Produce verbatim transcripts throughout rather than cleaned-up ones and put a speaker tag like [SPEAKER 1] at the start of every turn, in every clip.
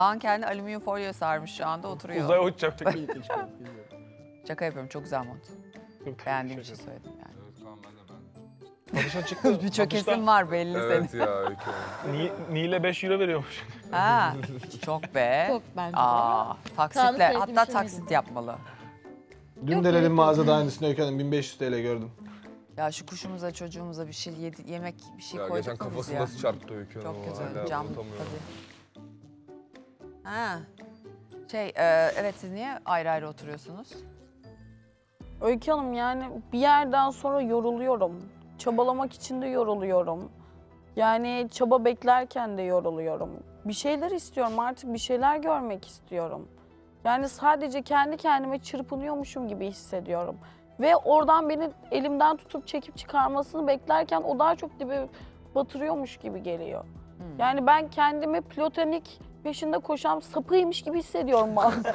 [SPEAKER 1] Kaan kendi alüminyum folyo sarmış şu anda oturuyor.
[SPEAKER 2] Uzaya uçacaktık.
[SPEAKER 1] Şaka yapıyorum, çok güzel mont. Beğendiğim için söyledim yani.
[SPEAKER 3] Evet Kaan ben de ben.
[SPEAKER 2] Satışa çıktı.
[SPEAKER 1] Bir çökesin var belli
[SPEAKER 3] Evet
[SPEAKER 1] senin.
[SPEAKER 3] ya Öykü.
[SPEAKER 2] Ni, Nile beş euro veriyormuş.
[SPEAKER 1] Ha, çok be.
[SPEAKER 4] Çok bence de.
[SPEAKER 1] Aa,
[SPEAKER 4] Tam
[SPEAKER 1] taksitle,
[SPEAKER 4] sevdiğim
[SPEAKER 1] hatta
[SPEAKER 4] şey
[SPEAKER 1] taksit
[SPEAKER 4] miydi?
[SPEAKER 1] yapmalı.
[SPEAKER 5] Dün
[SPEAKER 4] Yok,
[SPEAKER 5] de dedim
[SPEAKER 4] gerek
[SPEAKER 5] mağazada aynısını Öykü Hanım bin beş yüz TL gördüm.
[SPEAKER 1] Ya şu kuşumuza, çocuğumuza bir şey yedi, yemek bir şey
[SPEAKER 3] Ya
[SPEAKER 1] koyduk
[SPEAKER 3] geçen
[SPEAKER 1] mu biz
[SPEAKER 3] kafası
[SPEAKER 1] ya?
[SPEAKER 3] nasıl çarptı Öykü Hanım.
[SPEAKER 1] Çok kötü.
[SPEAKER 3] hala
[SPEAKER 1] Cam
[SPEAKER 3] unutamıyorum.
[SPEAKER 1] tabii. Ha. Şey, e, evet siz niye ayrı ayrı oturuyorsunuz?
[SPEAKER 6] Öykü Hanım yani bir yerden sonra yoruluyorum. Çabalamak için de yoruluyorum. Yani çaba beklerken de yoruluyorum. Bir şeyler istiyorum artık bir şeyler görmek istiyorum. Yani sadece kendi kendime çırpınıyormuşum gibi hissediyorum. Ve oradan beni elimden tutup çekip çıkarmasını beklerken o daha çok dibe batırıyormuş gibi geliyor.
[SPEAKER 1] Hmm.
[SPEAKER 6] Yani ben kendimi platonik peşinde koşan sapıymış gibi hissediyorum bazen.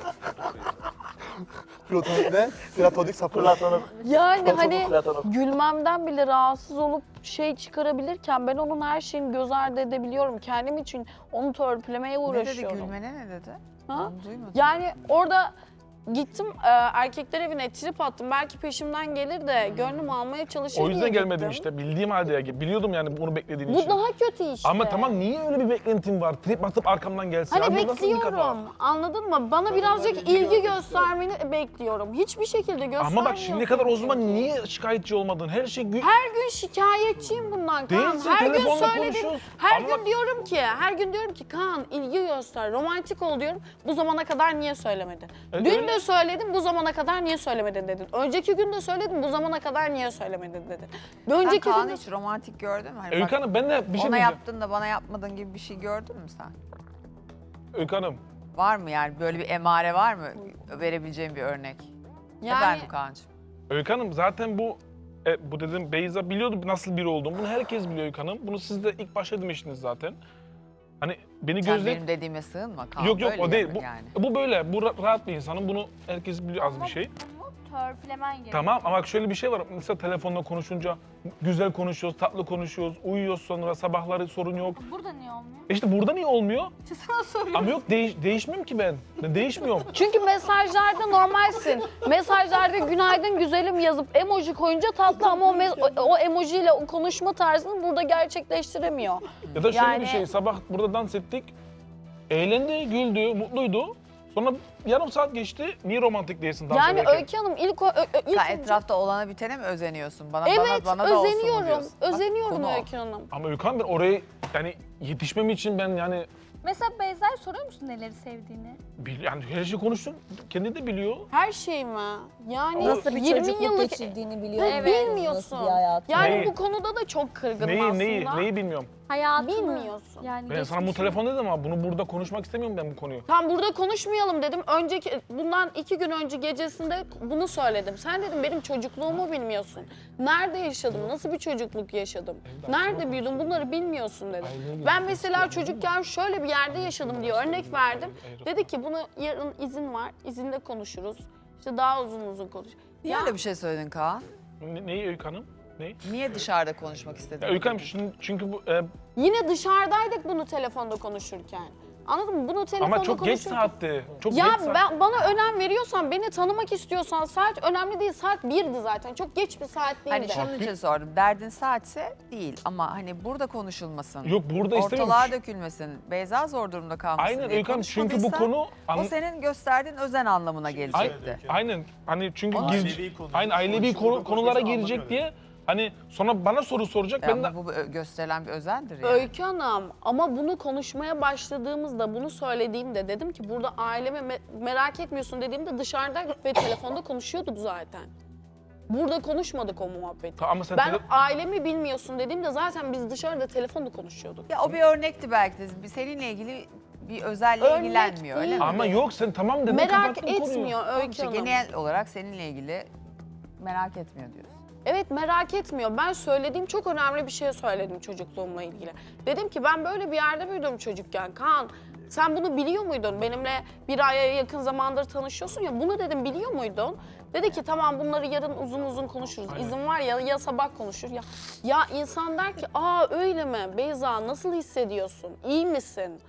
[SPEAKER 5] Platonik ne? Platonik sapı. Platonik.
[SPEAKER 6] Yani hani gülmemden bile rahatsız olup şey çıkarabilirken ben onun her şeyini göz ardı edebiliyorum. Kendim için onu törpülemeye
[SPEAKER 1] Ne dedi
[SPEAKER 6] uğraşıyorum.
[SPEAKER 1] gülmene ne dedi?
[SPEAKER 6] Ha?
[SPEAKER 1] Onu duymadım.
[SPEAKER 6] Yani orada gittim e, erkekler evine trip attım. Belki peşimden gelir de gönlümü almaya çalışır
[SPEAKER 2] O
[SPEAKER 6] diye
[SPEAKER 2] yüzden gelmedim
[SPEAKER 6] gittim.
[SPEAKER 2] işte. Bildiğim halde ya. Biliyordum yani bunu beklediğin
[SPEAKER 6] Bu
[SPEAKER 2] için.
[SPEAKER 6] daha kötü işte.
[SPEAKER 2] Ama tamam niye öyle bir beklentim var? Trip atıp arkamdan gelsin.
[SPEAKER 6] Hani
[SPEAKER 2] Abi bu nasıl bir kafa?
[SPEAKER 6] bekliyorum, anladın mı? Bana birazcık ilgi göstermeni bekliyorum. Hiçbir şekilde göstermiyorsun.
[SPEAKER 2] Ama bak şimdiye kadar o zaman
[SPEAKER 6] çünkü.
[SPEAKER 2] niye şikayetçi olmadın? Her şey gü-
[SPEAKER 6] Her gün şikayetçiyim bundan Kaan.
[SPEAKER 2] Değilsin,
[SPEAKER 6] Her gün
[SPEAKER 2] telefonla
[SPEAKER 6] söyledim.
[SPEAKER 2] konuşuyoruz.
[SPEAKER 6] Her
[SPEAKER 2] Ama
[SPEAKER 6] gün
[SPEAKER 2] bak-
[SPEAKER 6] diyorum ki, her gün diyorum ki Kaan ilgi göster, romantik ol diyorum. Bu zamana kadar niye söylemedin?
[SPEAKER 2] Evet,
[SPEAKER 6] Dün
[SPEAKER 2] öyle.
[SPEAKER 6] de söyledim, bu zamana kadar niye söylemedin dedin. Önceki gün de söyledim, bu zamana kadar niye söylemedin dedin. Bir
[SPEAKER 1] Sen
[SPEAKER 6] önceki
[SPEAKER 1] Kaan'ı
[SPEAKER 6] gün de...
[SPEAKER 1] hiç romantik gördün mü? Hani
[SPEAKER 2] Öykü
[SPEAKER 1] bak,
[SPEAKER 2] Hanım ben de bir şey
[SPEAKER 1] ona
[SPEAKER 2] diyeceğim.
[SPEAKER 1] yaptın da bana yapmadın gibi bir şey gördün mü sen?
[SPEAKER 2] Öykü Hanım.
[SPEAKER 1] Var mı yani böyle bir emare var mı verebileceğim bir örnek?
[SPEAKER 6] Yani
[SPEAKER 1] Efendim Kaan'cığım.
[SPEAKER 2] Öykü Hanım zaten bu e, bu dedim Beyza biliyordu nasıl biri olduğumu. Bunu herkes biliyor Öykü Hanım. Bunu siz de ilk başta demiştiniz zaten. Hani beni
[SPEAKER 1] Sen
[SPEAKER 2] gözle...
[SPEAKER 1] benim dediğime sığınma Kaan.
[SPEAKER 2] Yok yok
[SPEAKER 1] böyle
[SPEAKER 2] o değil.
[SPEAKER 1] yapın
[SPEAKER 2] Bu,
[SPEAKER 1] yani.
[SPEAKER 2] bu böyle. Bu ra- rahat bir insanım. Bunu herkes biliyor az bir şey.
[SPEAKER 4] Törpülemen gerekiyor.
[SPEAKER 2] Tamam ama bak şöyle bir şey var. Mesela telefonla konuşunca güzel konuşuyoruz, tatlı konuşuyoruz, uyuyoruz sonra sabahları sorun yok.
[SPEAKER 4] Burada niye olmuyor?
[SPEAKER 2] E İşte burada niye olmuyor?
[SPEAKER 4] Sana soruyorum.
[SPEAKER 2] Ama yok değiş, değişmiyorum ki ben. Ben değişmiyorum.
[SPEAKER 6] çünkü mesajlarda normalsin. Mesajlarda günaydın güzelim yazıp emoji koyunca tatlı ama o, me- o, o emojiyle o konuşma tarzını burada gerçekleştiremiyor.
[SPEAKER 2] Ya da şöyle
[SPEAKER 6] Yani-
[SPEAKER 2] bir şey. Sabah burada dans ettik. Eğlendi, güldü, mutluydu. Sonra yarım saat geçti. Niye romantik değilsin dans
[SPEAKER 6] Yani
[SPEAKER 2] ederken?
[SPEAKER 6] Öykü Hanım ilk, o- ö- ö- ilk
[SPEAKER 1] Sen
[SPEAKER 6] önce-
[SPEAKER 1] etrafta olana bitene mi özeniyorsun? Bana,
[SPEAKER 6] Evet,
[SPEAKER 1] bana, bana da olsun mu
[SPEAKER 6] özeniyorum.
[SPEAKER 1] diyorsun? Bak,
[SPEAKER 6] Özeniyorum
[SPEAKER 1] konu o.
[SPEAKER 6] Öykü Hanım.
[SPEAKER 2] Ama Öykü Hanım ben oraya yani yetişmem için ben yani
[SPEAKER 4] Mesela Beyza'ya soruyor musun neleri sevdiğini?
[SPEAKER 2] bil- yani her şeyi konuştum. Kendi de biliyor.
[SPEAKER 6] Her şey mi? Yani
[SPEAKER 7] Nasıl bir
[SPEAKER 6] yirmi
[SPEAKER 7] çocukluk
[SPEAKER 6] yıllık
[SPEAKER 7] geçirdiğini biliyor
[SPEAKER 6] Evet.
[SPEAKER 7] musun?
[SPEAKER 6] Bilmiyorsun.
[SPEAKER 7] Nasıl bir hayat?
[SPEAKER 6] Yani
[SPEAKER 2] Neyi?
[SPEAKER 6] bu konuda da çok kırgınım
[SPEAKER 2] Neyi
[SPEAKER 6] aslında.
[SPEAKER 2] neyi neyi bilmiyorum.
[SPEAKER 4] Hayatını.
[SPEAKER 6] Bilmiyorsun.
[SPEAKER 4] Yani
[SPEAKER 2] Ben sana bu
[SPEAKER 4] geçmişini.
[SPEAKER 2] telefon dedim ama bunu burada konuşmak istemiyorum ben bu konuyu.
[SPEAKER 6] Tam burada konuşmayalım dedim. Önceki bundan iki gün önce gecesinde bunu söyledim. Sen dedim benim çocukluğumu bilmiyorsun. Nerede yaşadım? Nasıl bir çocukluk yaşadım? Nerede büyüdüm? Bunları bilmiyorsun dedim. Ben mesela çocukken şöyle bir yerde yaşadım diye örnek verdim. Dedi ki bunu yarın izin var. İzinde konuşuruz. İşte daha uzun uzun konuş.
[SPEAKER 1] Niye öyle bir şey söyledin Kaan?
[SPEAKER 2] Ne, neyi Öykü Hanım? Neyi?
[SPEAKER 1] Niye dışarıda konuşmak istedin?
[SPEAKER 2] Ya Öykü Hanım şimdi- çünkü bu e,
[SPEAKER 6] Yine dışarıdaydık bunu telefonda konuşurken. Anladın mı? Bunu telefonda
[SPEAKER 2] ama çok geç
[SPEAKER 6] konuşurken-
[SPEAKER 2] saatti. Çok
[SPEAKER 6] Ya
[SPEAKER 2] geç saat.
[SPEAKER 6] ben bana önem veriyorsan, beni tanımak istiyorsan saat önemli değil. Saat birdi zaten. Çok geç bir saat
[SPEAKER 1] Hani
[SPEAKER 6] değildi.
[SPEAKER 1] şunun için sordum. Derdin saatse değil ama hani burada konuşulmasın.
[SPEAKER 2] Yok burada istemiyorum.
[SPEAKER 1] Ortalığa dökülmesin. Beyza zor durumda kalmasın
[SPEAKER 2] Aynen
[SPEAKER 1] diye
[SPEAKER 2] Öykü Hanım çünkü bu
[SPEAKER 1] konuşmadıysa,
[SPEAKER 2] konu
[SPEAKER 1] o
[SPEAKER 2] an-
[SPEAKER 1] senin gösterdiğin özen anlamına gelecekti.
[SPEAKER 2] aynen hani çünkü
[SPEAKER 1] Ama-
[SPEAKER 2] giz-
[SPEAKER 5] Ailevi konu.
[SPEAKER 2] aynen ailevi
[SPEAKER 5] Konuşulduğu
[SPEAKER 2] konu, konulara
[SPEAKER 5] konuşulsa
[SPEAKER 2] girecek
[SPEAKER 5] anlamıyor.
[SPEAKER 2] diye hani sonra bana soru soracak
[SPEAKER 1] Ya
[SPEAKER 2] ben de
[SPEAKER 1] ama bu ö- gösterilen bir özendir yani.
[SPEAKER 6] Öykü Hanım ama bunu konuşmaya başladığımızda, bunu söylediğimde dedim ki burada aileme me- merak etmiyorsun dediğimde dışarıdaydık ve telefonda konuşuyorduk zaten. Burada konuşmadık o muhabbeti.
[SPEAKER 2] Ta- ama sen
[SPEAKER 6] Ben
[SPEAKER 2] tele-
[SPEAKER 6] ailemi bilmiyorsun dediğimde zaten biz dışarıda telefonda konuşuyorduk.
[SPEAKER 1] Ya o bir örnekti belki de. Seninle ilgili bir özelle
[SPEAKER 6] Örnek
[SPEAKER 1] ilgilenmiyor öyle mi?
[SPEAKER 6] değil.
[SPEAKER 2] ama yok sen tamam dedin
[SPEAKER 6] Merak
[SPEAKER 2] kapattın konuyu.
[SPEAKER 6] etmiyor Öykü
[SPEAKER 1] İşte
[SPEAKER 6] Hanım.
[SPEAKER 1] genel olarak seninle ilgili merak etmiyor diyorsun.
[SPEAKER 6] Evet merak etmiyor. Ben söylediğim çok önemli bir şey söyledim çocukluğumla ilgili. Dedim ki ben böyle bir yerde büyüdüm çocukken. Kaan sen bunu biliyor muydun? Benimle bir aya yakın zamandır tanışıyorsun ya. Bunu dedim biliyor muydun? Dedi ki tamam bunları yarın uzun uzun konuşuruz. İzin var ya ya sabah konuşur ya. Ya insan der ki aa öyle mi? Beyza nasıl hissediyorsun? İyi misin?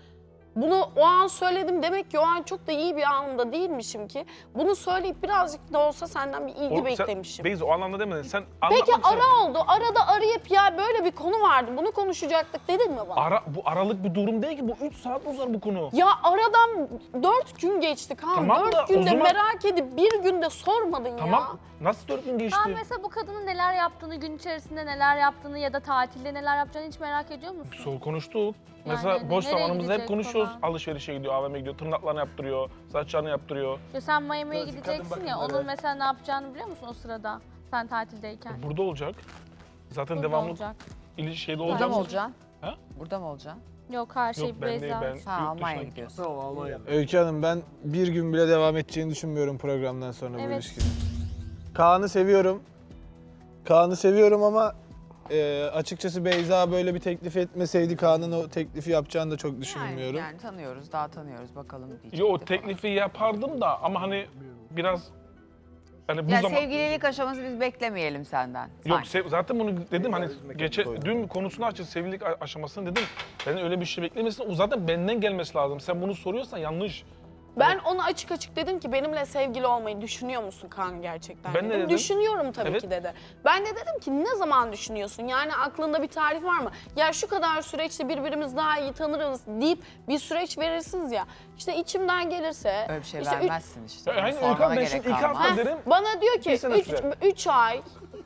[SPEAKER 6] Bunu o an söyledim, demek ki o an çok da iyi bir anında değilmişim ki. Bunu söyleyip birazcık da olsa senden bir ilgi
[SPEAKER 2] O- sen-
[SPEAKER 6] beklemişim.
[SPEAKER 2] Beyza o anlamda demedin. Sen
[SPEAKER 6] Peki
[SPEAKER 2] anlatmak
[SPEAKER 6] ara oldu. Arada arayıp ya böyle bir konu vardı, bunu konuşacaktık dedin mi bana?
[SPEAKER 2] Ara, bu aralık bir durum değil ki. Bu üç saat uzar bu konu.
[SPEAKER 6] Ya aradan dört gün geçti Kaan.
[SPEAKER 2] Tamam da
[SPEAKER 6] dört
[SPEAKER 2] o
[SPEAKER 6] günde
[SPEAKER 2] zaman-
[SPEAKER 6] merak edip bir günde sormadın
[SPEAKER 2] Tamam.
[SPEAKER 6] ya.
[SPEAKER 2] Nasıl dört gün geçti?
[SPEAKER 4] Sen mesela bu kadının neler yaptığını, gün içerisinde neler yaptığını ya da tatilde neler yapacağını hiç merak ediyor musun?
[SPEAKER 2] Sol konuştuk.
[SPEAKER 4] Yani
[SPEAKER 2] Mesela boş
[SPEAKER 4] nereye
[SPEAKER 2] zamanımızda hep
[SPEAKER 4] gidecek
[SPEAKER 2] konuşuyoruz.
[SPEAKER 4] falan?
[SPEAKER 2] Alışverişe gidiyor, A V M'ye gidiyor, tırnaklarını yaptırıyor, saçlarını yaptırıyor.
[SPEAKER 4] Ya sen Miami'ye
[SPEAKER 5] Klasik
[SPEAKER 4] gideceksin
[SPEAKER 5] kadın
[SPEAKER 4] ya,
[SPEAKER 5] bakımları.
[SPEAKER 4] onun mesela ne yapacağını biliyor musun o sırada? Sen tatildeyken.
[SPEAKER 2] Burada olacak. Zaten
[SPEAKER 4] Burada
[SPEAKER 2] devamlı
[SPEAKER 4] olacak.
[SPEAKER 2] ilişkide
[SPEAKER 1] Burada
[SPEAKER 2] olacak.
[SPEAKER 1] mı olacaksın?
[SPEAKER 2] Ha?
[SPEAKER 1] Burada mı olacaksın?
[SPEAKER 4] Yok her şey
[SPEAKER 2] Yok ben değil,
[SPEAKER 4] Beyza.
[SPEAKER 2] ben
[SPEAKER 1] Ha
[SPEAKER 2] yurt dışına
[SPEAKER 1] Almanya'ya
[SPEAKER 2] gideceğim.
[SPEAKER 1] gidiyorsun.
[SPEAKER 5] Öykü Hanım ben bir gün bile devam edeceğini düşünmüyorum programdan sonra bu
[SPEAKER 4] Evet.
[SPEAKER 5] ilişkinin. Kaan'ı seviyorum. Kaan'ı seviyorum ama e, açıkçası Beyza böyle bir teklif etmeseydi Kaan'ın o teklifi yapacağını da çok düşünmüyorum.
[SPEAKER 1] Yani, yani tanıyoruz, daha tanıyoruz bakalım diyecekti
[SPEAKER 2] Yo o
[SPEAKER 1] falan.
[SPEAKER 2] teklifi yapardım da ama hani biraz hani bu
[SPEAKER 1] Ya
[SPEAKER 2] zaman
[SPEAKER 1] sevgililik aşaması biz beklemeyelim senden.
[SPEAKER 2] yok
[SPEAKER 1] sanki.
[SPEAKER 2] sev- zaten bunu dedim hani
[SPEAKER 5] üzmek
[SPEAKER 2] geçe
[SPEAKER 5] koydum.
[SPEAKER 2] dün konusunu açtık sevgililik a- aşamasını dedim. Ben öyle bir şey beklemesin. O zaten benden gelmesi lazım. Sen bunu soruyorsan yanlış.
[SPEAKER 6] Ben ona açık açık dedim ki benimle sevgili olmayı düşünüyor musun Kaan gerçekten?
[SPEAKER 2] Ben ne
[SPEAKER 6] dedim.
[SPEAKER 2] dedim?
[SPEAKER 6] Düşünüyorum tabii
[SPEAKER 2] Evet.
[SPEAKER 6] ki dedi. Ben de dedim ki ne zaman düşünüyorsun? Yani aklında bir tarih var mı? Ya şu kadar süreçte birbirimizi daha iyi tanırız deyip bir süreç verirsiniz ya. İşte içimden gelirse.
[SPEAKER 1] Öyle bir şey
[SPEAKER 6] işte üç-
[SPEAKER 1] vermezsin işte.
[SPEAKER 2] Ya, aynen
[SPEAKER 1] Sormana
[SPEAKER 2] Öykü abi, ben
[SPEAKER 1] gerek
[SPEAKER 2] şimdi iki
[SPEAKER 1] kalmaz.
[SPEAKER 2] hafta
[SPEAKER 6] Ha,
[SPEAKER 2] derim.
[SPEAKER 6] bana diyor
[SPEAKER 2] Bir
[SPEAKER 6] ki
[SPEAKER 2] sene
[SPEAKER 6] üç,
[SPEAKER 2] sürer.
[SPEAKER 6] üç ay.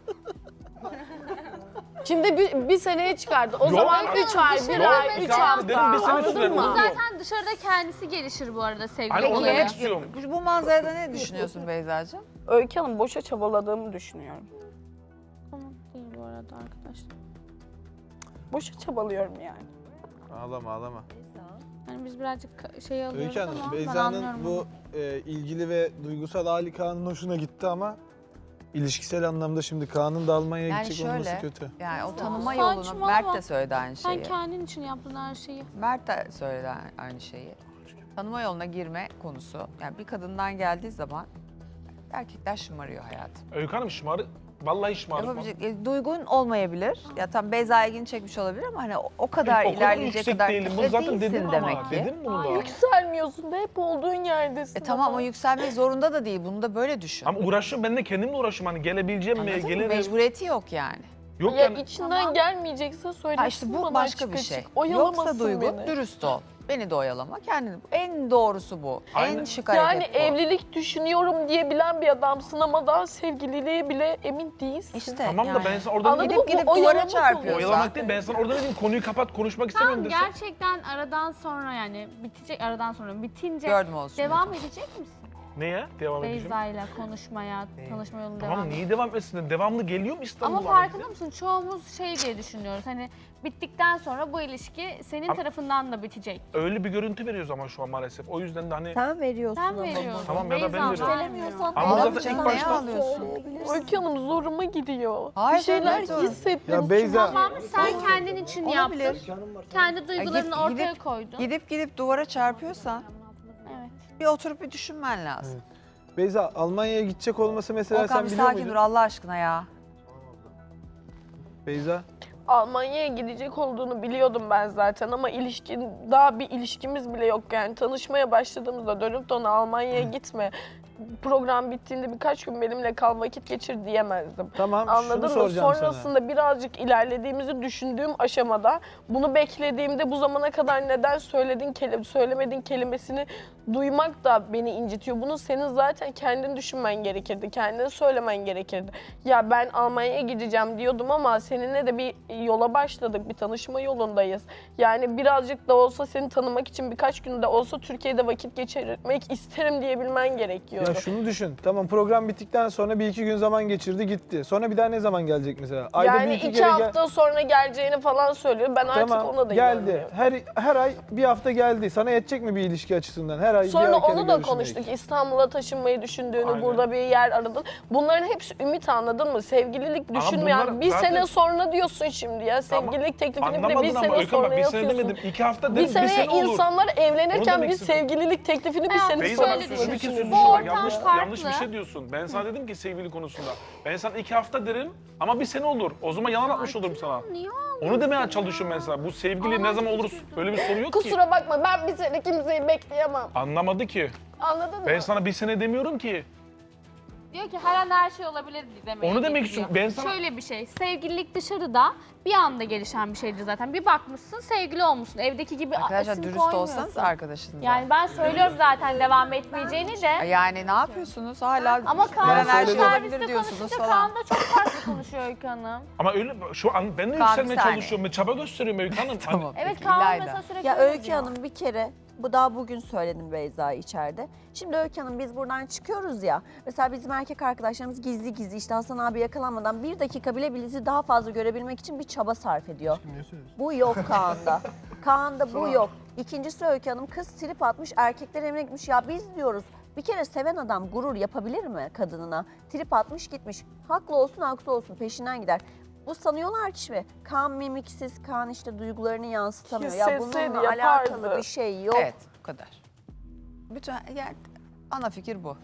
[SPEAKER 6] Şimdi bir, bir seneye çıkardı. O
[SPEAKER 2] Yok,
[SPEAKER 6] zaman
[SPEAKER 2] abi,
[SPEAKER 6] üç ay, bir
[SPEAKER 2] Yok,
[SPEAKER 6] ay,
[SPEAKER 2] iki
[SPEAKER 6] üç
[SPEAKER 2] hafta
[SPEAKER 6] hafta.
[SPEAKER 2] dedim, bir sene
[SPEAKER 6] Anladın
[SPEAKER 2] sürer.
[SPEAKER 6] mı?
[SPEAKER 2] Bu
[SPEAKER 4] Zaten dışarıda kendisi gelişir bu arada sevgili
[SPEAKER 2] Hani onu
[SPEAKER 1] Peki,
[SPEAKER 2] demek
[SPEAKER 4] olayı.
[SPEAKER 2] istiyorum.
[SPEAKER 1] Bu, bu manzarada ne düşünüyorsun Beyza'cığım?
[SPEAKER 6] Öykü Hanım boşa çabaladığımı düşünüyorum.
[SPEAKER 4] Tamam değil bu arada arkadaşlar.
[SPEAKER 6] Boşa çabalıyorum yani.
[SPEAKER 5] Ağlama ağlama.
[SPEAKER 4] Yani biz birazcık ka- şey alıyoruz
[SPEAKER 5] Öykü Hanım
[SPEAKER 4] ama ben
[SPEAKER 5] Beyza'nın
[SPEAKER 4] anlıyorum
[SPEAKER 5] bu
[SPEAKER 4] onu.
[SPEAKER 5] e, ilgili ve duygusal hali Kaan'ın hoşuna gitti ama ilişkisel anlamda şimdi Kaan'ın da Almanya'ya
[SPEAKER 1] Yani
[SPEAKER 5] gidecek olması
[SPEAKER 1] şöyle,
[SPEAKER 5] kötü.
[SPEAKER 1] yani o tanıma
[SPEAKER 4] Saçmalama.
[SPEAKER 1] yolunu Mert de söyledi aynı
[SPEAKER 4] Sen
[SPEAKER 1] şeyi.
[SPEAKER 4] kendin için yaptın her şeyi.
[SPEAKER 1] Mert de söyledi aynı şeyi. Tanıma yoluna girme konusu. Yani bir kadından geldiği zaman erkekler şımarıyor hayatım.
[SPEAKER 2] Öykü Hanım şımarı, vallahi şımarı.
[SPEAKER 1] Yapabilecek, e, duygun olmayabilir. Ya tam Beyza ilgini çekmiş olabilir ama hani o, o kadar
[SPEAKER 2] o kadar
[SPEAKER 1] ilerleyecek
[SPEAKER 2] yüksek
[SPEAKER 1] kadar
[SPEAKER 2] değilim. Bunu
[SPEAKER 1] E,
[SPEAKER 2] zaten
[SPEAKER 1] değilsin
[SPEAKER 2] dedim
[SPEAKER 1] demek
[SPEAKER 2] ama.
[SPEAKER 1] ki.
[SPEAKER 2] Dedim bunu da.
[SPEAKER 6] Yükselmiyorsun da hep olduğun yerdesin.
[SPEAKER 1] E tamam o yükselmek zorunda da değil. Bunu da böyle düşün.
[SPEAKER 2] Ama uğraşıyorum, ben de kendimle uğraşıyorum. Hani gelebileceğim mi,
[SPEAKER 1] Anladın mı?
[SPEAKER 2] gelirim.
[SPEAKER 1] Mecburiyeti yok yani.
[SPEAKER 2] Yok
[SPEAKER 6] Ya
[SPEAKER 2] yani.
[SPEAKER 6] içinden
[SPEAKER 4] Tamam.
[SPEAKER 6] gelmeyecekse söylesin
[SPEAKER 1] Ha işte bu
[SPEAKER 6] bana
[SPEAKER 1] başka
[SPEAKER 6] açık
[SPEAKER 1] bir
[SPEAKER 6] açık.
[SPEAKER 1] şey.
[SPEAKER 6] Oyalamasın
[SPEAKER 1] Yoksa duygu,
[SPEAKER 6] beni.
[SPEAKER 1] dürüst ol. Beni de oyalama, kendini. En doğrusu bu.
[SPEAKER 2] Aynen.
[SPEAKER 1] En şık
[SPEAKER 6] Yani
[SPEAKER 1] hareket bu.
[SPEAKER 6] evlilik düşünüyorum diyebilen bir adamsın ama daha sevgililiğe bile emin değilsin.
[SPEAKER 1] İşte
[SPEAKER 2] Tamam
[SPEAKER 1] yani.
[SPEAKER 2] da ben sana oradan
[SPEAKER 6] Anladın
[SPEAKER 2] gidip
[SPEAKER 6] mı?
[SPEAKER 1] Gidip gidip
[SPEAKER 6] Bu
[SPEAKER 1] duvara
[SPEAKER 6] oyalamak
[SPEAKER 1] çarpıyorsun.
[SPEAKER 6] oluyor.
[SPEAKER 2] oyalamak değil. Ben sana oradan dedim konuyu kapat, konuşmak istemiyorum
[SPEAKER 4] Tamam
[SPEAKER 2] desem.
[SPEAKER 4] gerçekten aradan sonra yani bitecek aradan sonra bitince
[SPEAKER 1] Gördüm olsun.
[SPEAKER 4] devam edecek misin?
[SPEAKER 2] Neye? Devam edeceğim.
[SPEAKER 4] Beyza ile konuşmaya, tanışma yolunu
[SPEAKER 2] Tamam
[SPEAKER 4] devam
[SPEAKER 2] niye devam etsin? Devamlı geliyor mu İstanbul'a?
[SPEAKER 4] Ama farkında mısın? Çoğumuz şey diye düşünüyoruz. Hani bittikten sonra bu ilişki senin
[SPEAKER 2] Ama-
[SPEAKER 4] tarafından da bitecek.
[SPEAKER 2] Öyle bir görüntü veriyoruz ama şu an maalesef. O yüzden de hani
[SPEAKER 7] Sen veriyorsun
[SPEAKER 4] Sen
[SPEAKER 7] ama.
[SPEAKER 4] veriyorsun.
[SPEAKER 2] Tamam ya da ben
[SPEAKER 4] Beyza
[SPEAKER 2] veriyorum.
[SPEAKER 4] vermiyor.
[SPEAKER 2] Ama zaten
[SPEAKER 1] canım,
[SPEAKER 2] ilk
[SPEAKER 1] neye
[SPEAKER 2] başta
[SPEAKER 1] ağlıyorsun?
[SPEAKER 6] Öykü Hanım zoruma gidiyor.
[SPEAKER 1] Hayır,
[SPEAKER 6] bir şeyler
[SPEAKER 1] canım, zorunda.
[SPEAKER 6] hissettim.
[SPEAKER 5] Ya Beyza
[SPEAKER 4] Tamam sen kendin için
[SPEAKER 1] Olabilir.
[SPEAKER 4] yaptın. Kendi duygularını
[SPEAKER 1] gidip-
[SPEAKER 4] ortaya
[SPEAKER 1] gidip-
[SPEAKER 4] koydun.
[SPEAKER 1] Gidip gidip duvara çarpıyorsan
[SPEAKER 4] Evet.
[SPEAKER 1] bir oturup bir düşünmen lazım.
[SPEAKER 5] Beyza Almanya'ya gidecek olması mesela
[SPEAKER 1] Okan
[SPEAKER 5] sen
[SPEAKER 1] bir
[SPEAKER 5] biliyor
[SPEAKER 1] sakin
[SPEAKER 5] muydun?
[SPEAKER 1] dur Allah aşkına ya.
[SPEAKER 5] Beyza
[SPEAKER 6] Almanya'ya gidecek olduğunu biliyordum ben zaten ama ilişkin daha bir ilişkimiz bile yok yani tanışmaya başladığımızda dönüp de ona Almanya'ya gitme. Program bittiğinde birkaç gün benimle kal vakit geçir diyemezdim.
[SPEAKER 5] tamam
[SPEAKER 6] Anladın
[SPEAKER 5] şunu
[SPEAKER 6] mı?
[SPEAKER 5] soracağım
[SPEAKER 6] Sonrasında
[SPEAKER 5] sana.
[SPEAKER 6] birazcık ilerlediğimizi düşündüğüm aşamada bunu beklediğimde bu zamana kadar neden söyledin keli söylemedin kelimesini duymak da beni incitiyor. Bunu senin zaten kendin düşünmen gerekirdi. Kendin söylemen gerekirdi. Ya ben Almanya'ya gideceğim diyordum ama seninle de bir yola başladık. Bir tanışma yolundayız. Yani birazcık da olsa seni tanımak için birkaç gün de olsa Türkiye'de vakit geçirmek isterim diyebilmen gerekiyordu.
[SPEAKER 5] Ya şunu düşün. Tamam program bittikten sonra bir iki gün zaman geçirdi gitti. Sonra bir daha ne zaman gelecek mesela? Ayda
[SPEAKER 6] yani
[SPEAKER 5] bir iki,
[SPEAKER 6] iki
[SPEAKER 5] kere gel-
[SPEAKER 6] hafta sonra geleceğini falan söylüyor. Ben artık
[SPEAKER 5] Tamam
[SPEAKER 6] ona da
[SPEAKER 5] geldi.
[SPEAKER 6] inanmıyorum.
[SPEAKER 5] Her her ay bir hafta geldi. Sana yetecek mi bir ilişki açısından? Her ay bir
[SPEAKER 6] Sonra
[SPEAKER 5] ay kere
[SPEAKER 6] onu da
[SPEAKER 5] görüşmek.
[SPEAKER 6] konuştuk. İstanbul'a taşınmayı düşündüğünü,
[SPEAKER 2] Aynen.
[SPEAKER 6] burada bir yer aradın. Bunların hepsi ümit anladın mı? Sevgililik
[SPEAKER 2] Ama
[SPEAKER 6] düşünmeyen
[SPEAKER 2] bunlar
[SPEAKER 6] bir
[SPEAKER 2] zaten-
[SPEAKER 6] sene sonra diyorsun şimdi ya.
[SPEAKER 2] Tamam.
[SPEAKER 6] Sevgililik teklifini bile bir
[SPEAKER 2] Anlamadın
[SPEAKER 6] sene
[SPEAKER 2] ama Öykü ama
[SPEAKER 6] sonra
[SPEAKER 2] bir sene
[SPEAKER 6] yapıyorsun.
[SPEAKER 2] demedim. İki hafta
[SPEAKER 6] Bir
[SPEAKER 2] dedim. Bir
[SPEAKER 6] sene
[SPEAKER 2] sene olur.
[SPEAKER 6] insanlar
[SPEAKER 2] Onu
[SPEAKER 6] evlenirken
[SPEAKER 2] demek
[SPEAKER 6] bir
[SPEAKER 2] istedim.
[SPEAKER 6] sevgililik teklifini bir
[SPEAKER 4] Hayatım
[SPEAKER 6] sene
[SPEAKER 2] Beyza
[SPEAKER 6] sonra
[SPEAKER 2] bak
[SPEAKER 4] şöyle
[SPEAKER 2] şöyle bir
[SPEAKER 4] düşün.
[SPEAKER 2] kez sözü
[SPEAKER 4] Bu
[SPEAKER 2] var.
[SPEAKER 4] ortamda
[SPEAKER 2] yanlış,
[SPEAKER 4] farklı.
[SPEAKER 2] yanlış bir şey diyorsun. Ben sana dedim ki sevgili konusunda. Ben sana iki hafta derim ama bir sene olur. O zaman yalan atmış olurum sana.
[SPEAKER 4] Niye
[SPEAKER 2] Onu demeye çalışıyorum ben sana. Bu sevgili ne zaman olur öyle bir soru yok ki.
[SPEAKER 7] Kusura bakma ben bir sene kimseyi bekleyemem.
[SPEAKER 2] Anlamadı ki.
[SPEAKER 7] Anladın mı?
[SPEAKER 2] Ben sana bir sene demiyorum ki.
[SPEAKER 4] Diyor ki her an her şey olabilir demeye
[SPEAKER 2] Onu demek
[SPEAKER 4] getiriyor.
[SPEAKER 2] istiyorum. Ben sana-
[SPEAKER 4] Şöyle bir şey, sevgililik dışarıda bir anda gelişen bir şeydir zaten. Bir bakmışsın sevgili olmuşsun, evdeki gibi
[SPEAKER 1] Arkadaşlar
[SPEAKER 4] isim
[SPEAKER 1] dürüst
[SPEAKER 4] koymuyorsun.
[SPEAKER 1] olsanız arkadaşınıza.
[SPEAKER 4] Yani ben söylüyorum zaten devam etmeyeceğini de.
[SPEAKER 1] Yani ne yapıyorsunuz hala?
[SPEAKER 4] Ama
[SPEAKER 1] her an
[SPEAKER 4] Kaan
[SPEAKER 1] her şey
[SPEAKER 4] serviste
[SPEAKER 1] olabilir diyorsunuz
[SPEAKER 4] konuşunca
[SPEAKER 1] falan.
[SPEAKER 4] Kaan da çok farklı konuşuyor Öykü Hanım.
[SPEAKER 2] Ama öyle şu an ben de
[SPEAKER 1] Kaan,
[SPEAKER 2] yükselmeye
[SPEAKER 1] bir saniye.
[SPEAKER 2] çalışıyorum. Ben çaba gösteriyorum Öykü Hanım. Hani-
[SPEAKER 1] Tamam.
[SPEAKER 4] Evet
[SPEAKER 1] peki,
[SPEAKER 4] Kaan
[SPEAKER 1] İlayda.
[SPEAKER 4] mesela sürekli
[SPEAKER 8] Ya
[SPEAKER 4] öyle
[SPEAKER 8] Öykü
[SPEAKER 4] diyor.
[SPEAKER 8] Hanım bir kere, bu daha bugün söyledim Beyza içeride. Şimdi Öykü Hanım biz buradan çıkıyoruz ya. Mesela bizim erkek arkadaşlarımız gizli gizli işte Hasan abi yakalanmadan bir dakika bile bizi daha fazla görebilmek için bir çaba sarf ediyor. Bu yok Kaan'da. Kaan'da bu yok. İkincisi Öykü Hanım kız trip atmış erkekler evine gitmiş. Ya biz diyoruz bir kere seven adam gurur yapabilir mi kadınına? Trip atmış gitmiş. Haklı olsun haksız olsun peşinden gider. Bu sanıyorlar ki şimdi Kaan mimiksiz, Kaan işte duygularını yansıtamıyor. Ya
[SPEAKER 6] Hissetseydi
[SPEAKER 8] bununla
[SPEAKER 6] yapardı.
[SPEAKER 8] alakalı bir şey yok.
[SPEAKER 1] Evet bu kadar. Bütün yani ana fikir bu.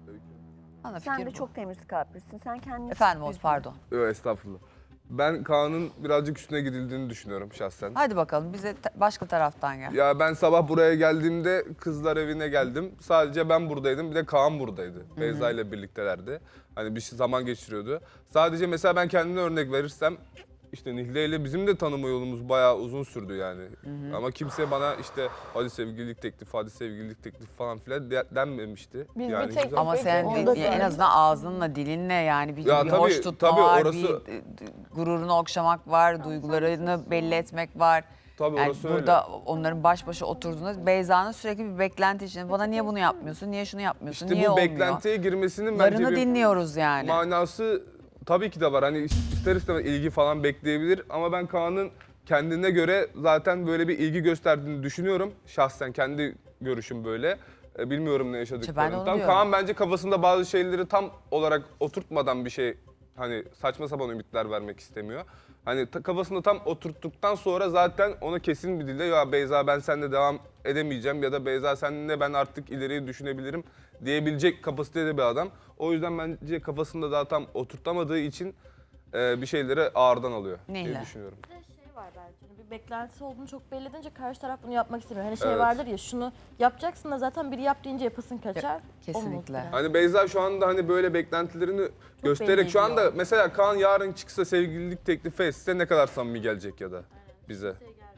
[SPEAKER 1] Ana fikir
[SPEAKER 8] Sen de
[SPEAKER 1] bu.
[SPEAKER 8] çok temiz kalplisin. Sen kendini
[SPEAKER 1] Efendim Oğuz
[SPEAKER 8] üzme.
[SPEAKER 1] pardon.
[SPEAKER 3] Yok estağfurullah. Ben Kaan'ın birazcık üstüne gidildiğini düşünüyorum şahsen.
[SPEAKER 1] Hadi bakalım bize ta- başka taraftan gel.
[SPEAKER 3] Ya ben sabah buraya geldiğimde kızlar evine geldim. Sadece ben buradaydım. Bir de Kaan buradaydı. Beyza ile birliktelerdi. Hani bir şey zaman geçiriyordu. Sadece mesela ben kendime örnek verirsem işte Nihle ile bizim de tanıma yolumuz bayağı uzun sürdü yani. Ama kimse bana işte hadi sevgililik teklifi, hadi sevgililik teklifi falan filan de- denmemişti.
[SPEAKER 7] Biz bir
[SPEAKER 3] yani
[SPEAKER 7] tek-
[SPEAKER 3] güzel-
[SPEAKER 1] Ama sen
[SPEAKER 8] Onu
[SPEAKER 1] bir-
[SPEAKER 8] da
[SPEAKER 1] en
[SPEAKER 8] söyle.
[SPEAKER 1] azından ağzınla, dilinle yani bir,
[SPEAKER 3] Ya
[SPEAKER 1] bir
[SPEAKER 3] tabii,
[SPEAKER 1] hoş tutma
[SPEAKER 3] tabii
[SPEAKER 1] var,
[SPEAKER 3] orası-
[SPEAKER 1] bir e, d- gururunu okşamak var, duygularını belli etmek var.
[SPEAKER 3] Tabii
[SPEAKER 1] Yani
[SPEAKER 3] orası
[SPEAKER 1] burada
[SPEAKER 3] öyle.
[SPEAKER 1] onların baş başa oturduğunda Beyza'nın sürekli bir beklenti içinde. Bana niye bunu yapmıyorsun, niye şunu yapmıyorsun,
[SPEAKER 3] İşte
[SPEAKER 1] niye
[SPEAKER 3] bu
[SPEAKER 1] olmuyor?
[SPEAKER 3] beklentiye girmesinin bence
[SPEAKER 1] Yarını
[SPEAKER 3] bir
[SPEAKER 1] dinliyoruz yani.
[SPEAKER 3] manası tabii ki de var. Hani ister istemez ilgi falan bekleyebilir ama ben Kaan'ın kendine göre zaten böyle bir ilgi gösterdiğini düşünüyorum. Şahsen kendi görüşüm böyle. E, Bilmiyorum ne
[SPEAKER 1] İşte ben de
[SPEAKER 3] yaşadıklarını.
[SPEAKER 1] onu
[SPEAKER 3] Tam
[SPEAKER 1] diyorum.
[SPEAKER 3] Kaan bence kafasında bazı şeyleri tam olarak oturtmadan bir şey hani saçma sapan ümitler vermek istemiyor. Hani ta- kafasında tam oturttuktan sonra zaten ona kesin bir dille ya Beyza ben seninle devam edemeyeceğim ya da Beyza seninle ben artık ileriyi düşünebilirim diyebilecek kapasitede bir adam. O yüzden bence kafasında daha tam oturtamadığı için e, bir şeyleri ağırdan alıyor diye
[SPEAKER 1] Nihle.
[SPEAKER 3] düşünüyorum.
[SPEAKER 9] Bir de şey var belki. hani Bir beklentisi olduğunu çok belli edince karşı taraf bunu yapmak istemiyor. Hani şey
[SPEAKER 3] Evet.
[SPEAKER 9] vardır ya şunu yapacaksın da zaten biri yap deyince yapasın kaçar.
[SPEAKER 1] Kesinlikle.
[SPEAKER 3] Hani Beyza şu anda hani böyle beklentilerini göstererek
[SPEAKER 9] belli
[SPEAKER 3] şu anda
[SPEAKER 9] ediyor.
[SPEAKER 3] mesela Kaan yarın çıksa sevgililik teklifi etse ne kadar samimi gelecek ya da bize.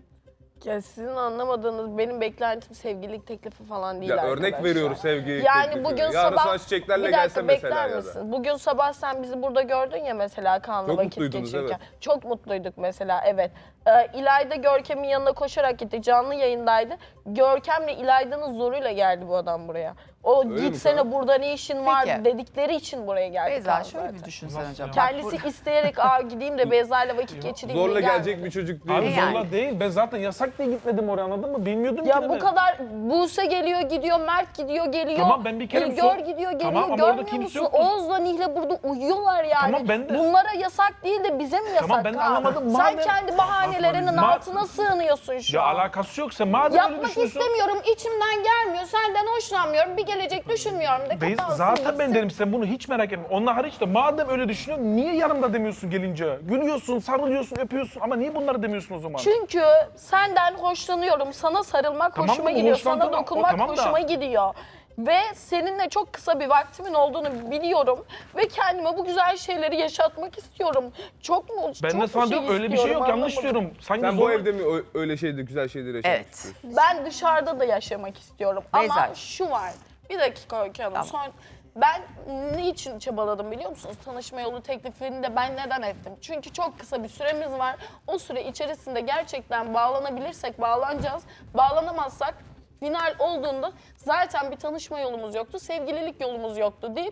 [SPEAKER 7] Ya sizin anlamadığınız benim beklentim sevgililik teklifi falan değil
[SPEAKER 3] Ya
[SPEAKER 7] arkadaşlar.
[SPEAKER 3] örnek veriyoruz sevgililik
[SPEAKER 7] Yani
[SPEAKER 3] teklifi.
[SPEAKER 7] bugün
[SPEAKER 3] Yarın
[SPEAKER 7] sabah
[SPEAKER 3] sana çiçeklerle
[SPEAKER 7] bir
[SPEAKER 3] gelse
[SPEAKER 7] dakika
[SPEAKER 3] mesela
[SPEAKER 7] bekler
[SPEAKER 3] ya da.
[SPEAKER 7] misin? Bugün sabah sen bizi burada gördün ya mesela Kaan'la
[SPEAKER 3] Çok
[SPEAKER 7] vakit
[SPEAKER 3] mutluydunuz,
[SPEAKER 7] geçirirken. Çok mutluyduk mesela evet. Ee, İlayda Görkem'in yanına koşarak gitti. Canlı yayındaydı. Görkem'le İlayda'nın zoruyla geldi bu adam buraya. O
[SPEAKER 3] Öyle mi
[SPEAKER 7] gitsene
[SPEAKER 3] Kaan?
[SPEAKER 7] burada ne işin var
[SPEAKER 1] Peki.
[SPEAKER 7] dedikleri için buraya geldi
[SPEAKER 1] Beyza
[SPEAKER 7] Kaan
[SPEAKER 1] şöyle
[SPEAKER 7] zaten.
[SPEAKER 1] bir düşünsen
[SPEAKER 2] Nasıl
[SPEAKER 1] hocam.
[SPEAKER 2] ya?
[SPEAKER 1] Bak,
[SPEAKER 7] Kendisi isteyerek aa gideyim de Beyza'yla vakit geçireyim
[SPEAKER 3] Zorla
[SPEAKER 7] diye
[SPEAKER 3] gelecek
[SPEAKER 7] gelmedi.
[SPEAKER 3] bir çocuk değil.
[SPEAKER 2] Abi
[SPEAKER 1] Ne yani?
[SPEAKER 2] zorla değil. Ben zaten yasak diye gitmedim oraya anladın mı? Bilmiyordum ki
[SPEAKER 7] Ya
[SPEAKER 2] de
[SPEAKER 7] bu
[SPEAKER 2] ben.
[SPEAKER 7] kadar Buse geliyor gidiyor, Mert gidiyor geliyor.
[SPEAKER 2] Tamam, ben bir kere
[SPEAKER 7] Gör
[SPEAKER 2] sor-
[SPEAKER 7] gidiyor geliyor.
[SPEAKER 2] Tamam, ama orada
[SPEAKER 7] Görmüyor
[SPEAKER 2] kimse
[SPEAKER 7] musun?
[SPEAKER 2] yok mu?
[SPEAKER 7] Oğuz'la Nihle burada uyuyorlar yani.
[SPEAKER 2] Tamam, ben de-
[SPEAKER 7] Bunlara yasak değil de bize mi yasak?
[SPEAKER 2] Tamam, ben de
[SPEAKER 7] Kaan?
[SPEAKER 2] anlamadım.
[SPEAKER 7] Sen
[SPEAKER 2] Madem-
[SPEAKER 7] kendi bahanelerinin
[SPEAKER 2] Ma-
[SPEAKER 7] altına sığınıyorsun şu
[SPEAKER 2] Ya
[SPEAKER 7] an.
[SPEAKER 2] alakası yoksa madem öyle
[SPEAKER 7] Yapmak
[SPEAKER 2] düşünüyorsun.
[SPEAKER 7] istemiyorum, içimden gelmiyor, senden hoşlanmıyorum, bir gelecek düşünmüyorum de
[SPEAKER 2] Beyza,
[SPEAKER 7] kapansın
[SPEAKER 2] zaten ben
[SPEAKER 7] gitsin.
[SPEAKER 2] derim sen bunu hiç merak etme. Onlar hariç de madem öyle düşünüyorsun niye yanımda demiyorsun gelince? Gülüyorsun, sarılıyorsun, öpüyorsun ama niye bunları demiyorsun o zaman?
[SPEAKER 7] Çünkü senden hoşlanıyorum, sana sarılmak
[SPEAKER 2] Tamam
[SPEAKER 7] hoşuma
[SPEAKER 2] mı?
[SPEAKER 7] gidiyor,
[SPEAKER 2] Hoşlandın
[SPEAKER 7] sana
[SPEAKER 2] ama-
[SPEAKER 7] dokunmak
[SPEAKER 2] o tamam da-
[SPEAKER 7] hoşuma gidiyor. Ve seninle çok kısa bir vaktimin olduğunu biliyorum ve kendime bu güzel şeyleri yaşatmak istiyorum. Çok mu?
[SPEAKER 2] Ben
[SPEAKER 7] çok
[SPEAKER 2] de sana
[SPEAKER 7] mu
[SPEAKER 2] diyorum öyle bir şey yok, yanlış
[SPEAKER 7] anlamadım.
[SPEAKER 2] diyorum. Sanki
[SPEAKER 3] Sen bu
[SPEAKER 2] zor-
[SPEAKER 3] evde mi ö- öyle şeyde güzel şeyleri yaşamak
[SPEAKER 1] Evet.
[SPEAKER 3] istiyorsun?
[SPEAKER 7] Ben dışarıda da yaşamak istiyorum.
[SPEAKER 1] Beyza.
[SPEAKER 7] Ama şu var. Bir dakika Öykü Hanım.
[SPEAKER 1] Tamam.
[SPEAKER 7] Son, ben niçin çabaladım biliyor musunuz? Tanışma yolu teklifini de ben neden ettim? Çünkü çok kısa bir süremiz var. O süre içerisinde gerçekten bağlanabilirsek bağlanacağız. Bağlanamazsak final olduğunda zaten bir tanışma yolumuz yoktu, sevgililik yolumuz yoktu deyip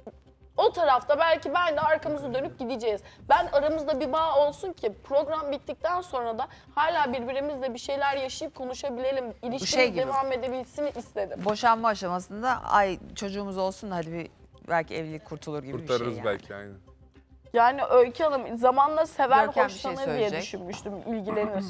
[SPEAKER 7] o tarafta belki ben de arkamızı dönüp gideceğiz. Ben aramızda bir bağ olsun ki program bittikten sonra da hala birbirimizle bir şeyler yaşayıp konuşabilelim. İlişkimiz
[SPEAKER 1] şey gibi.
[SPEAKER 7] devam edebilsin istedim.
[SPEAKER 1] Boşanma aşamasında ay çocuğumuz olsun da hadi bir belki evlilik kurtulur gibi bir
[SPEAKER 3] Kurtarırız
[SPEAKER 1] şey yani.
[SPEAKER 3] belki aynen.
[SPEAKER 7] Yani Öykü Hanım zamanla sever
[SPEAKER 1] Görkem bir şey
[SPEAKER 7] hoşlanır diye
[SPEAKER 1] söyleyecek.
[SPEAKER 7] düşünmüştüm, ilgilenir.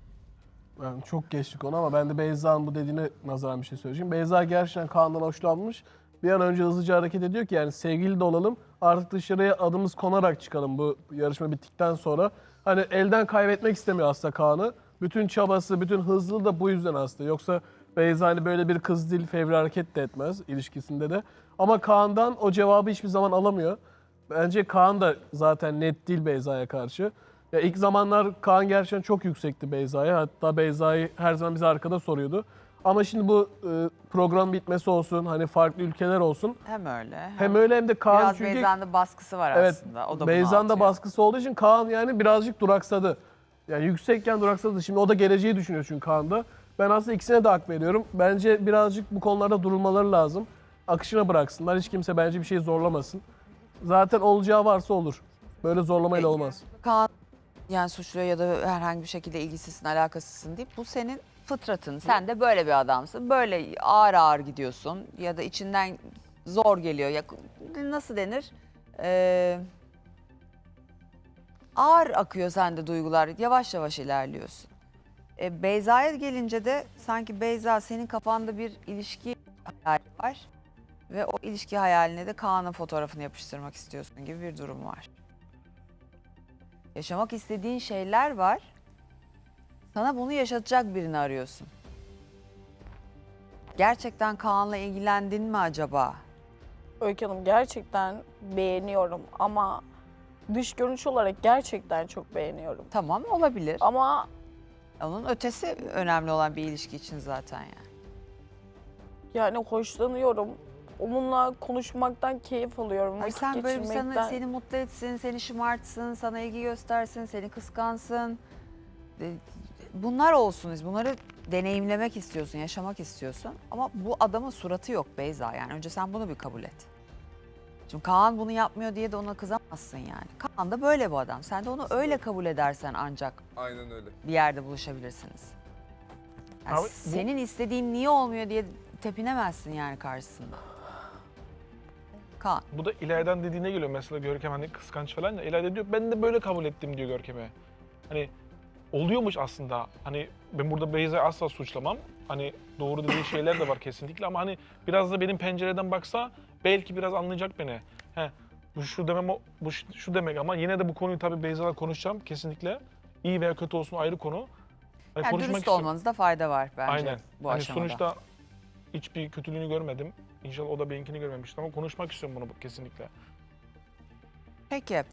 [SPEAKER 10] Ben çok geçtik onu ama ben de Beyza'nın bu dediğine nazaran bir şey söyleyeceğim. Beyza gerçekten Kaan'dan hoşlanmış bir an önce hızlıca hareket ediyor ki yani sevgili de olalım. Artık dışarıya adımız konarak çıkalım bu yarışma bittikten sonra. Hani elden kaybetmek istemiyor aslında Kaan'ı. Bütün çabası, bütün hızlı da bu yüzden aslında. Yoksa Beyza hani böyle bir kız değil, fevri hareket de etmez ilişkisinde de. Ama Kaan'dan o cevabı hiçbir zaman alamıyor. Bence Kaan da zaten net değil Beyza'ya karşı. Ya ilk zamanlar Kaan gerçekten çok yüksekti Beyza'ya. Hatta Beyza'yı her zaman bize arkada soruyordu. Ama şimdi bu e, program bitmesi olsun, hani farklı ülkeler olsun.
[SPEAKER 1] Hem öyle. Hem,
[SPEAKER 10] Hem öyle hem de Kaan
[SPEAKER 1] biraz
[SPEAKER 10] çünkü...
[SPEAKER 1] Beyza'nın da baskısı var
[SPEAKER 10] Evet,
[SPEAKER 1] aslında. O da bunu
[SPEAKER 10] Beyza'nın da
[SPEAKER 1] atıyor.
[SPEAKER 10] baskısı olduğu için Kaan yani birazcık duraksadı. Yani yüksekken duraksadı. Şimdi o da geleceği düşünüyor çünkü Kaan'da. Ben aslında ikisine de hak veriyorum. Bence birazcık bu konularda durulmaları lazım. Akışına bıraksınlar. Hiç kimse bence bir şey zorlamasın. Zaten olacağı varsa olur. Böyle zorlamayla olmaz.
[SPEAKER 1] Kaan yani suçluyor ya da herhangi bir şekilde ilgisizsin, alakasızsın deyip bu senin fıtratın. Sen de böyle bir adamsın. Böyle ağır ağır gidiyorsun ya da içinden zor geliyor. Ya, nasıl denir? Ee, ağır akıyor sende duygular. Yavaş yavaş ilerliyorsun. Ee, Beyza'ya gelince de sanki Beyza senin kafanda bir ilişki hayali var. Ve o ilişki hayaline de Kaan'ın fotoğrafını yapıştırmak istiyorsun gibi bir durum var. Yaşamak istediğin şeyler var. Sana bunu yaşatacak birini arıyorsun. Gerçekten Kaan'la ilgilendin mi acaba?
[SPEAKER 6] Öykü Hanım gerçekten beğeniyorum ama dış görünüş olarak gerçekten çok beğeniyorum.
[SPEAKER 1] Tamam, olabilir.
[SPEAKER 6] Ama
[SPEAKER 1] Onun ötesi önemli olan bir ilişki için zaten yani.
[SPEAKER 6] yani hoşlanıyorum. Onunla konuşmaktan keyif alıyorum.
[SPEAKER 1] Ay
[SPEAKER 6] vakit
[SPEAKER 1] sen böyle bir sana,
[SPEAKER 6] geçirmekten.
[SPEAKER 1] seni mutlu etsin, seni şımartsın, sana ilgi göstersin, seni kıskansın. E, Bunlar olsun. Bunları deneyimlemek istiyorsun, yaşamak istiyorsun. Ama bu adamın suratı yok Beyza yani. Önce sen bunu bir kabul et. Şimdi Kaan bunu yapmıyor diye de ona kızamazsın yani. Kaan da böyle bu adam. Sen de onu öyle kabul edersen ancak
[SPEAKER 3] Aynen öyle.
[SPEAKER 1] bir yerde buluşabilirsiniz. Yani
[SPEAKER 2] Abi bu-
[SPEAKER 1] senin istediğin niye olmuyor diye tepinemezsin yani karşısında. Kaan.
[SPEAKER 2] Bu da İlayda'nın dediğine geliyor mesela Görkem hani kıskanç falan ya. İlayda diyor ben de böyle kabul ettim diyor Görkem'e. Hani oluyormuş aslında. Hani ben burada Beyza'yı asla suçlamam. Hani doğru dediği şeyler de var kesinlikle ama hani biraz da benim pencereden baksa belki biraz anlayacak beni. He, bu şu demem o- bu şu şu demek ama yine de bu konuyu tabii Beyza'la konuşacağım kesinlikle. İyi veya kötü olsun ayrı konu. Hani
[SPEAKER 1] Yani
[SPEAKER 2] konuşmak
[SPEAKER 1] dürüst
[SPEAKER 2] istiyorum.
[SPEAKER 1] olmanızda fayda var bence
[SPEAKER 2] Aynen.
[SPEAKER 1] bu
[SPEAKER 2] hani
[SPEAKER 1] aşamada.
[SPEAKER 2] sonuçta hiçbir kötülüğünü görmedim. İnşallah o da benimkini görmemiştir ama konuşmak istiyorum bunu kesinlikle.
[SPEAKER 1] Peki.